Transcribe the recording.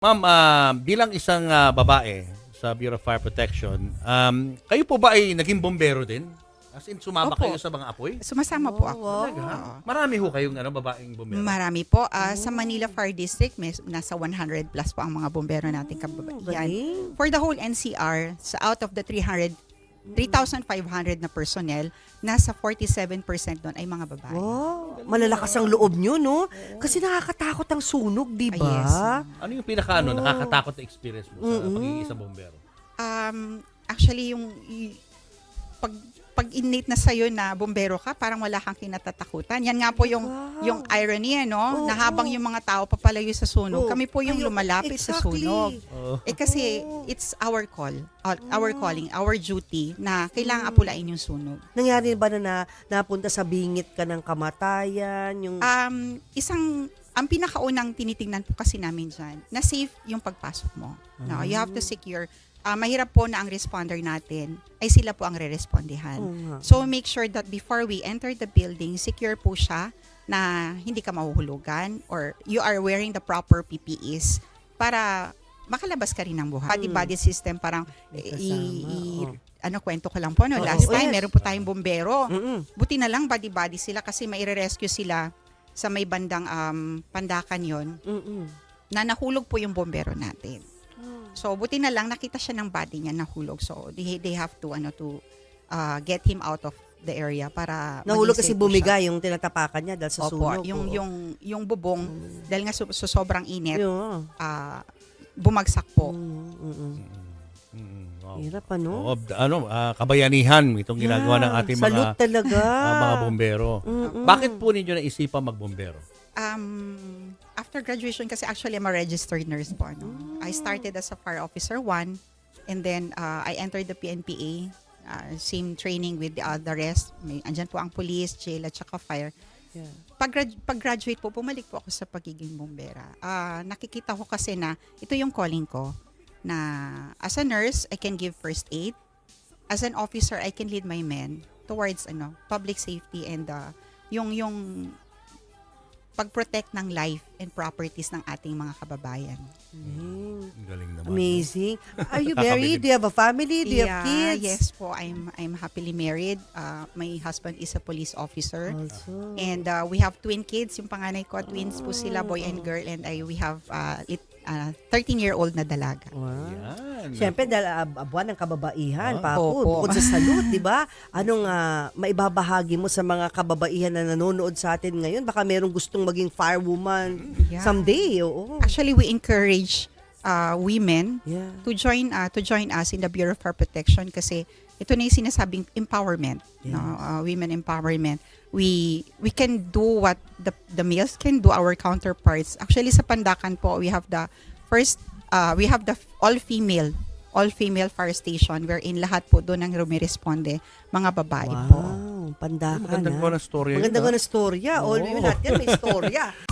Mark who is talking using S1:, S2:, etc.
S1: Ma'am, bilang isang babae sa Bureau of Fire Protection, kayo po ba ay naging bombero din? As in, sumama
S2: Opo.
S1: kayo sa mga apoy?
S2: Sumasama po ako.
S1: Talaga?
S2: Oo.
S1: Marami ho kayong babaeng bombero?
S2: Marami po. Sa Manila Fire District, nasa 100 plus po ang mga bombero nating kababaihan.
S3: Galing.
S2: For the whole NCR, out of the 3,500 na personnel, nasa 47% doon ay mga babae.
S3: Wow, malalakas ang loob nyo, no? Kasi nakakatakot ang sunog, di ba?
S2: Yes.
S1: Ano yung nakakatakot na experience mo sa pagiging isang bombero?
S2: Actually, pag innate na sa'yo na bombero ka, parang wala kang kinatatakutan. Yan nga po yung irony, no? Na habang yung mga tao papalayo sa sunog, kami po yung lumalapit sa sunog. Kasi it's our call, our calling, our duty na kailangan apulain yung sunog.
S3: Nangyari ba na napunta sa bingit ka ng kamatayan? Yung...
S2: Ang pinakaunang tinitingnan po kasi namin dyan, na safe yung pagpasok mo. No, you have to secure. Mahirap po na ang responder natin ay sila po ang re-respondihan. So make sure that before we enter the building, secure po siya na hindi ka mahuhulugan or you are wearing the proper PPEs para makalabas ka rin ng buhay. Body system parang kwento ko lang po, no? Last time, meron po tayong bombero. Buti na lang body sila kasi maire-rescue sila sa may bandang Pandakan yon na nahulog po yung bombero natin. So, buti na lang nakita siya ng body niya nahulog. So, they have to get him out of the area para
S3: nahulog kasi
S2: maging safe po
S3: bumiga
S2: siya.
S3: yung tinatapakan niya dahil sa
S2: Opo,
S3: sunog.
S2: yung bubong dahil nga sobrang init,
S3: Yun.
S2: bumagsak po.
S1: Wow.
S3: Hirap, ano?
S1: Kabayanihan itong ginagawa ng ating
S3: Salute talaga.
S1: mga bombero. Bakit po ninyo naisipan magbombero?
S2: After graduation, kasi actually I'm a registered nurse po. No? I started as a fire officer 1 and then I entered the PNPA. Same training with the rest. Andyan po ang police, jail at saka fire.
S3: Yeah.
S2: Pag-graduate po, bumalik po ako sa pagiging bombera. Nakikita ko kasi na ito yung calling ko na as a nurse, I can give first aid. As an officer, I can lead my men towards public safety and yung pag-protect ng life and properties ng ating mga kababayan.
S1: Galing naman.
S3: Amazing. Are you married? Do you have a family? Do you have kids?
S2: Yes po, I'm happily married. My husband is a police officer.
S3: Also.
S2: And we have twin kids. Yung panganay ko, twins po sila, boy and girl. And we have 13-year-old na dalaga.
S3: Wow.
S1: Yan.
S3: Siyempre, dahil buwan ng kababaihan,
S2: Opo.
S3: bukod sa salute, di ba? Anong maibabahagi mo sa mga kababaihan na nanonood sa atin ngayon? Baka merong gustong maging firewoman someday. Oo.
S2: Actually, we encourage women
S3: Yeah.
S2: to join us in the Bureau of Fire Protection kasi ito na yung sinasabing empowerment,
S3: Yes.
S2: women empowerment. We can do what the males can do, our counterparts. Actually, sa Pandakan po, we have the all-female fire station wherein lahat po doon ang rumiresponde, mga babae po.
S3: Wow, Pandakan.
S1: Magandang ko na storya.
S3: Magandang ko na storya. All women natin may storya.